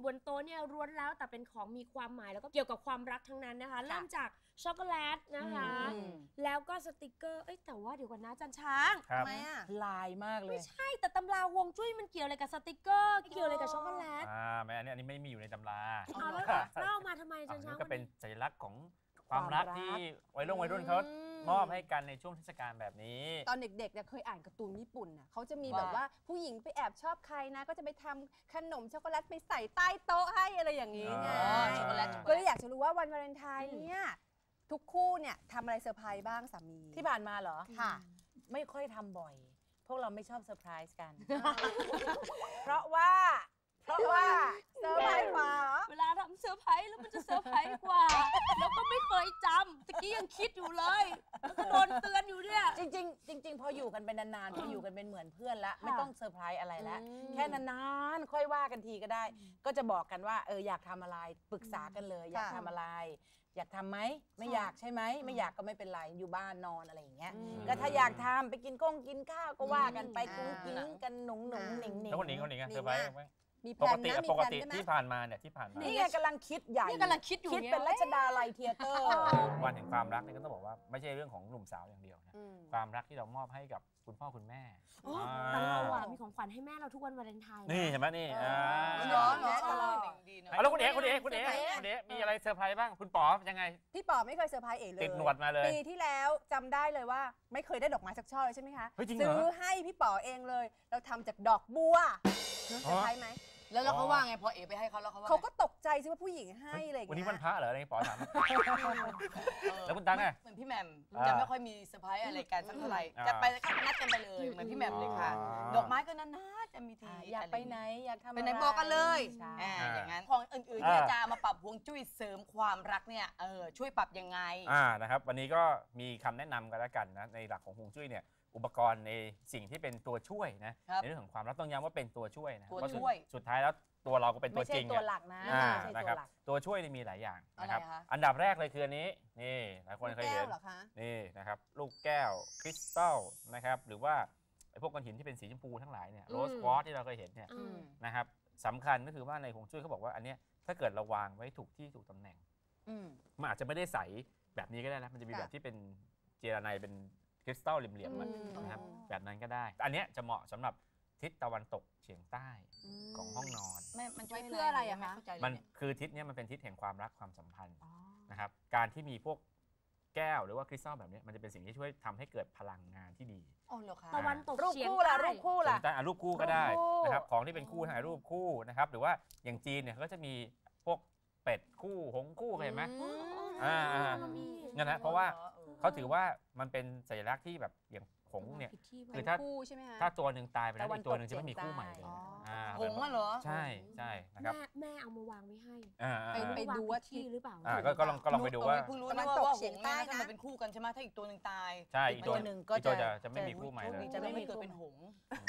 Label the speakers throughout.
Speaker 1: บนโต๊ะเนี่ยล้วนแล้วแต่เป็นของมีความหมายแล้วก็เกี่ยวกับความรักทั้งนั้นนะคะเริ่มจากช็อกโกแลตนะคะแล้วก็สติกเกอร์แต่ว่าเดี๋ยวก่อนนะจันช้าง
Speaker 2: ทำไมอะ
Speaker 3: ลายมากเลย
Speaker 1: ไม่ใช่แต่ตำราฮวงจุ้ยมันเกี่ยวอะไรกับสติกเกอร์เกี่ยวอะไรกับช็อกโกแลต
Speaker 2: ไม่อันนี้ไม่มีอยู่ในตำรา
Speaker 1: เอาแล้วเล่ามาทำไมจันช้าง
Speaker 2: ก็เป็นสัญลักษณ์ของความรักที่วัยรุ่นเขามอบให้กันในช่วงเทศกาลแบบนี้
Speaker 4: ตอนเด็กๆเนี่ยเคยอ่านการ์ตูนญี่ปุ่นน่ะเขาจะมีแบบว่าผู้หญิงไปแอบชอบใครนะก็จะไปทำขนมช็อกโกแลตไปใส่ใต้โต๊ะให้อะไรอย่างนี้ไงช็อกโกแลตก็เลยอยากจะรู้ว่าวันวาเลนไทน์เนี่ยทุกคู่เนี่ยทำอะไรเซอร์ไพรส์บ้างสามี
Speaker 3: ที่ผ่านมาเหรอ
Speaker 4: ค่ะ
Speaker 3: ไม่ค่อยทำบ่อยพวกเราไม่ชอบเซอร์ไพรส์กันเพราะว่า
Speaker 4: เซอร์ไพรส์กว่า
Speaker 1: เวลาทำเซอร์ไพรส์แล้วมันจะเซอร์ไพรส์กว่าแล้วก็ไม่เคยจำตะกี้ยังคิดอยู่เลยแล้วก็โดนเตือนอยู่เนี่ย
Speaker 3: จริงพออยู่กันเป็นนานๆพออยู่กันเป็นเหมือนเพื่อนละไม่ต้องเซอร์ไพรส์อะไรแล้วแค่นานๆค่อยว่ากันทีก็ได้ก็จะบอกกันว่าอยากทำอะไรปรึกษากันเลยอยากทำอะไรอยากทำไหมไม่อยากใช่ไหมไม่อยากก็ไม่เป็นไรอยู่บ้านนอนอะไรอย่างเงี้ยก็ถ้าอยากทำไปกินข้าวก็ว่ากันไปกุ้งกิ้งกันหนุ่งหนิง
Speaker 2: แล้วคนนี้เซอร์ไพรส์
Speaker 4: มี
Speaker 2: ปกติที่ผ่านมาเนี่ย
Speaker 3: นี่ไงกำลังคิดใหญ่
Speaker 1: กำลังคิดอยู่
Speaker 3: คิดเป็นรัชดาลัยเทียเตอร์
Speaker 2: วันแห่งความรักเนี่ยก็ต้องบอกว่าไม่ใช่เรื่องของหนุ่มสาวอย่างเดียวนะความรักที่เรามอบให้กับคุณพ่อคุณแม่
Speaker 1: แต่เรามีของขวัญให้แม่เราทุกวันวาเลนไทน์
Speaker 2: นี่เห็นไหมนี่
Speaker 4: น้อง
Speaker 2: แล้วคุณเอ๋มีอะไรเซอร์ไพรส์บ้างคุณป๋อยังไง
Speaker 4: พี่ป๋อไม่เคยเซอร์ไพรส์เอ๋เลย
Speaker 2: ติดหนวดมาเลย
Speaker 4: ปีที่แล้วจำได้เลยว่าไม่เคยได้ดอกไม้สักช่อเลยใช่ไหมคะซื้อให้พี่ป๋อเองเลยเราทำจากดอกบัวเซอร์ไพรส์ไหม
Speaker 3: แล้วเขาว่าไงพอเอ๋ไปให้เขาแล้ว
Speaker 4: เขาก็ตกใจสิว่าผู้หญิงให้อะไรอย่างเงี้ย
Speaker 2: วันนี้วันพระเหรออะไรป๋อถามแล้วคุณตั๊กไง
Speaker 3: เหมือนพี่แหม่มจะไม่ค่อยมีเซอร์ไพรส์อะไรกันสักเท่าไหร่จะไปก็นัดกันไปเลยเหมือนพี่แหม่มเลยค่ะดอกไม้ก็นานๆจะมีทีอยากไปไหนอยากทำอะไร
Speaker 4: ไปไหนบอกกันเลย
Speaker 3: อย่างนั้นของอื่นๆที่จะมาปรับฮวงจุ้ยเสริมความรักเนี่ยช่วยปรับยังไง
Speaker 2: นะครับวันนี้ก็มีคำแนะนำกันแล้วกันนะในหลักของฮวงจุ้ยเนี่ยอุปกรณ์ในสิ่งที่เป็นตัวช่วยนะในเรื่องของความรักต้องย้ำว่าเป็นตัวช่วยนะเพราะสุดท้ายแล้วตัวเราก็เป็นตัวจริง
Speaker 3: ตัวหลักนะ
Speaker 2: นะครับตัวช่วยมีหลายอย่างนะครับอันดับแรกเลยคืออันนี้นี่หลายคนเคยเห็นนี่นะครับลูกแก้วคริสตัลนะครับหรือว่าไอ้พวกก้อนหินที่เป็นสีชมพูทั้งหลายเนี่ยโรสควอตที่เราเคยเห็นเนี่ยนะครับสำคัญก็คือว่าในฮวงจุ้ยเขาบอกว่าอันเนี้ยถ้าเกิดเราวางไว้ถูกที่ถูกตำแหน่งมันอาจจะไม่ได้ใสแบบนี้ก็ได้นะมันจะมีแบบที่เป็นเจลาไนเป็นคริสตัลเหลี่ยมๆนะครับแบบนั้นก็ได้อันเนี้ยจะเหมาะสำหรับทิศตะวันตกเฉียงใต้ของห้องนอน
Speaker 4: มันช่วยเพื่ออะไรอะคะ
Speaker 2: มันคือทิศนี้มันเป็นทิศแห่งความรักความสัมพันธ์นะครับการที่มีพวกแก้วหรือว่าคริสตัลแบบนี้มันจะเป็นสิ่งที่ช่วยทำให้เกิดพลังงานที่ดี
Speaker 1: ตะวันตก
Speaker 3: รูปคู่ล่ะรูป
Speaker 2: คู่ก็ได้นะครับของที่เป็นคู่ถ่ายรูปคู่นะครับหรือว่าอย่างจีนเนี่ยเขาก็จะมีพวกเป็ดคู่หงคู่เห็นไหมนั่นนะเพราะว่าเขาถือว่ามันเป็นสัญลักษณ์ที่แบบอย่างหงเนี่ย
Speaker 4: คือ
Speaker 2: ถ้าตัวหนึ่งตายไปแล้วอีกตัวหนึ่งจะไม่มีคู่ใหม่เลย
Speaker 3: หงเหรอ
Speaker 2: ใช่นะครับ
Speaker 1: แม่เอามาวางไว้ให้
Speaker 4: ไปดูว่าที่
Speaker 1: หรือเปล่า
Speaker 2: ก็ลองไปดูว่า
Speaker 3: เพิ่งรู้นะว่าหงเนี่ยถ้ามันเป็นคู่กันใช่ไหมถ้าอีกตัวหนึ่งตาย
Speaker 2: ใช่อีกตัวหนึ่งก็จะไม่มีคู่ใหม่เลย
Speaker 3: จะไม่เกิดเป็นหง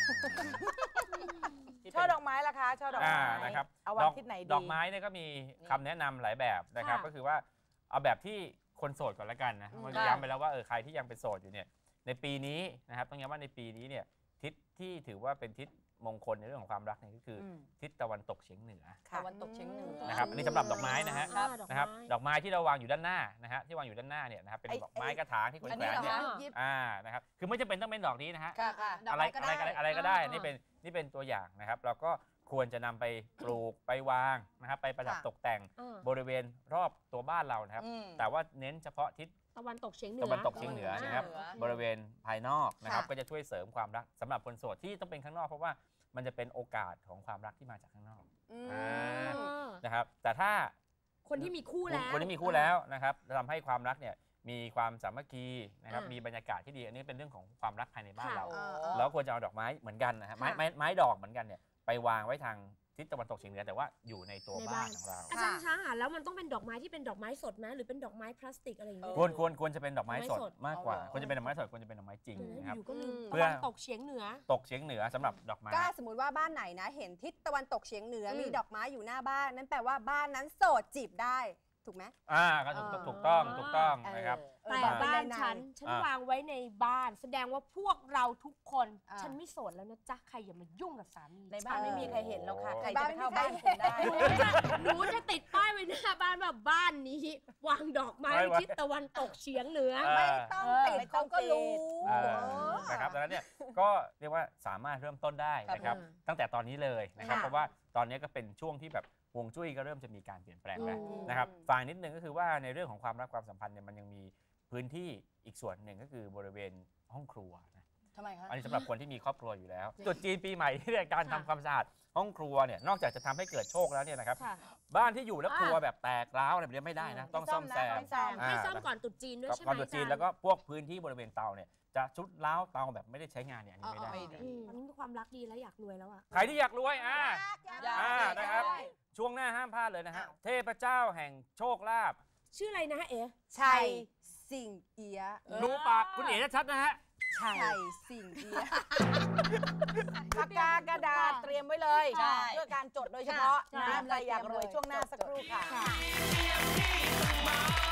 Speaker 3: ช่อดอกไม้ล่ะคะช่อดอกไม้
Speaker 2: นะครับ
Speaker 3: เอาวางทิศไหนดี
Speaker 2: ดอกไม้เนี่ยก็มีคำแนะนำหลายแบบนะครับก็คือว่าเอาแบบที่คนโสดก่อนละกันนะมันย้ำไปแล้วว่าใครที่ยังเป็นโสดอยู่เนี่ยในปีนี้นะครับต้องย้ำว่าในปีนี้เนี่ยทิศที่ถือว่าเป็นทิศมงคลในเรื่องของความรักเนี่ยก็คือทิศตะวันตกเฉียงเหนือ
Speaker 3: ตะวันตกเฉียงเหนือ
Speaker 2: นะครับอันนี้สำหรับดอกไม้นะครับดอกไม้ที่เราวางอยู่ด้านหน้านะฮะที่วางอยู่ด้านหน้าเนี่ยนะครับเป็นดอกไม้กระถางที่คนแขวนเนี่ยนะครับคือไม่จำเป็นต้องเป็นดอกนี้นะฮะอะไรก็ได้นี่เป็นตัวอย่างนะครับเราก็ควรจะนำไปปลูกไปวางนะครับไปประดับตกแต่งบริเวณรอบตัวบ้านเรานะครับแต่ว่าเน้นเฉพาะทิศ
Speaker 1: ตะวันตกเฉียงเห
Speaker 2: นือนะครับบริเวณภายนอกนะครับก็จะช่วยเสริมความรักสำหรับคนโสดที่ต้องเป็นข้างนอกเพราะว่ามันจะเป็นโอกาสของความรักที่มาจากข้างนอกนะครับแต่ถ้า
Speaker 1: คนที่มีคู่
Speaker 2: แล้วนะครับทำให้ความรักเนี่ยมีความสามัคคีนะครับมีบรรยากาศที่ดีอันนี้เป็นเรื่องของความรักภายในบ้านเราแล้วควรจะเอาดอกไม้เหมือนกันนะฮะไม้ดอกเหมือนกันเนี่ยไปวางไว้ทางทิศตะวันตกเฉียงเหนือแต่ว่าอยู่ในตัวบ้านของเรา
Speaker 1: อาจารย์ช้างแล้วมันต้องเป็นดอกไม้ที่เป็นดอกไม้สดไหมหรือเป็นดอกไม้พลาสติกอะไรอย่างเงี้ย
Speaker 2: ควรจะเป็นดอกไม้สดมากกว่าควรจะเป็นดอกไม้สดควรจะเป็นดอกไม้จริงนะครับ
Speaker 1: เพื่อตกเฉียงเหนื
Speaker 2: อสำหรับดอกไม้
Speaker 4: ก็สมมติว่าบ้านไหนนะเห็นทิศตะวันตกเฉียงเหนือมีดอกไม้อยู่หน้าบ้านนั่นแปลว่าบ้านนั้นโสดจีบได้ถูกไหม
Speaker 2: ก็ถูกต้องนะครับ
Speaker 1: แต่บ้านฉันวางไว้ในบ้านแสดงว่าพวกเราทุกคนฉันไม่โสดแล้วนะจ๊ะใครอย่ามายุ่งกับสามี
Speaker 3: ในบ้านไม่มีใครเห็นแล้วค่ะใครจะไปเข้าบ้านคุณได้
Speaker 1: หนูจะติดป้ายไว้หน้าบ้านแบบบ้านนี้วางดอกไม้ทิศตะวันตกเฉียงเหนือ
Speaker 4: ไม่ต้องติดเขาก็รู้
Speaker 2: นะครับดังนั้นเนี่ยก็เรียกว่าสามารถเริ่มต้นได้นะครับตั้งแต่ตอนนี้เลยนะครับเพราะว่าตอนนี้ก็เป็นช่วงที่แบบฮวงจุ้ยก็เริ่มจะมีการเปลี่ยนแปลงแล้วนะครับฝ่ายนิดนึงก็คือว่าในเรื่องของความรักความสัมพันธ์เนี่ยมันยังมีพื้นที่อีกส่วนหนึ่งก็คือบริเวณห้องครัวนะ
Speaker 3: ทำไมคะ
Speaker 2: อันนี้สำหรับคนที่มีครอบครัวอยู่แล้วตรุษจีนปีใหม่ที่การทำความสะอาดห้องครัวเนี่ยนอกจากจะทำให้เกิดโชคแล้วเนี่ยนะครับบ้านที่อยู่แล้วครัวแบบแตกร้าวอะไรแบบนี้ไม่ได้นะต้องซ่อมแซม
Speaker 1: ให้ซ่อมก่อนตรุษจีนด้วยใช่ไหม
Speaker 2: ก่อนตรุษจีนแล้วก็พวกพื้นที่บริเวณเตาเนี่ยจะชุดล้าวเตาแบบไม่ได้ใช้งานเนี่ยอันนี้ไม่ได้
Speaker 1: อันนี้ความรักดีแล้วอยากรวยแล้วอ่ะ
Speaker 2: ใครที่อยากรวยนะครับช่วงหน้าห้ามพลาดเลยนะฮะเทพเจ้าแห่งโชคลาภ
Speaker 1: ชื่ออะไรนะเอ๋
Speaker 4: ชัยสิงเอียะ
Speaker 2: ดูปากคุณเอ๋ชัดนะฮะ
Speaker 4: ชัยสิงเอียะ
Speaker 3: ปากกากระดาษเตรียมไว้เลยเพื่อการจดโดยเฉพาะนะใครอยากรวยช่วงหน้าสักครู่ค่ะ